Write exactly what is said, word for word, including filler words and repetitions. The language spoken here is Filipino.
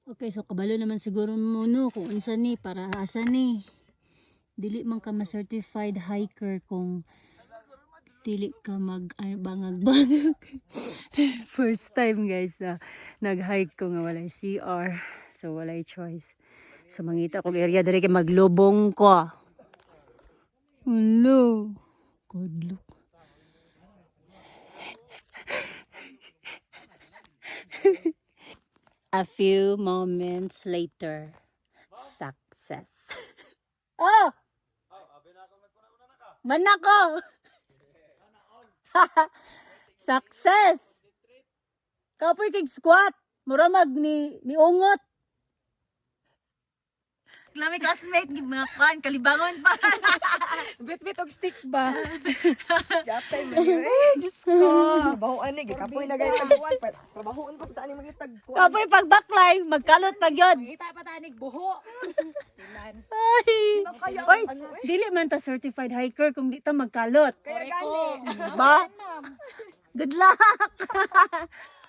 Okay, so kabalo naman siguro mo no kung unsa ni para asa ni. Dili man ka ma-certified hiker kung dili ka mag bangag-bangag. First time guys na nag-hike ko nga walay C R. So walay choice. So mangita kong area diri kay maglubong ko. Hello. Good look. A few moments later, success. Oh! Manako! Success! Kapoy kig squat. Muramag ni ni ungot. Lami classmate gid mga kwan kalibangon pa. Bit-bit og stick ba? Gatay man yun eh. Diyos ko. Trabahoan eh. Kapoy na ganyan taguan. Trabahoan pa sa ni mga tagkuan. Kapoy pag backline, magkalot pag yun. Kita pa tanig buho. Stilan. Ay! Kaya Oy, ano eh. dili man ta certified hiker kung di ta magkalot. Kaya Correct ko. gani. Ba? Ma'am. Good luck!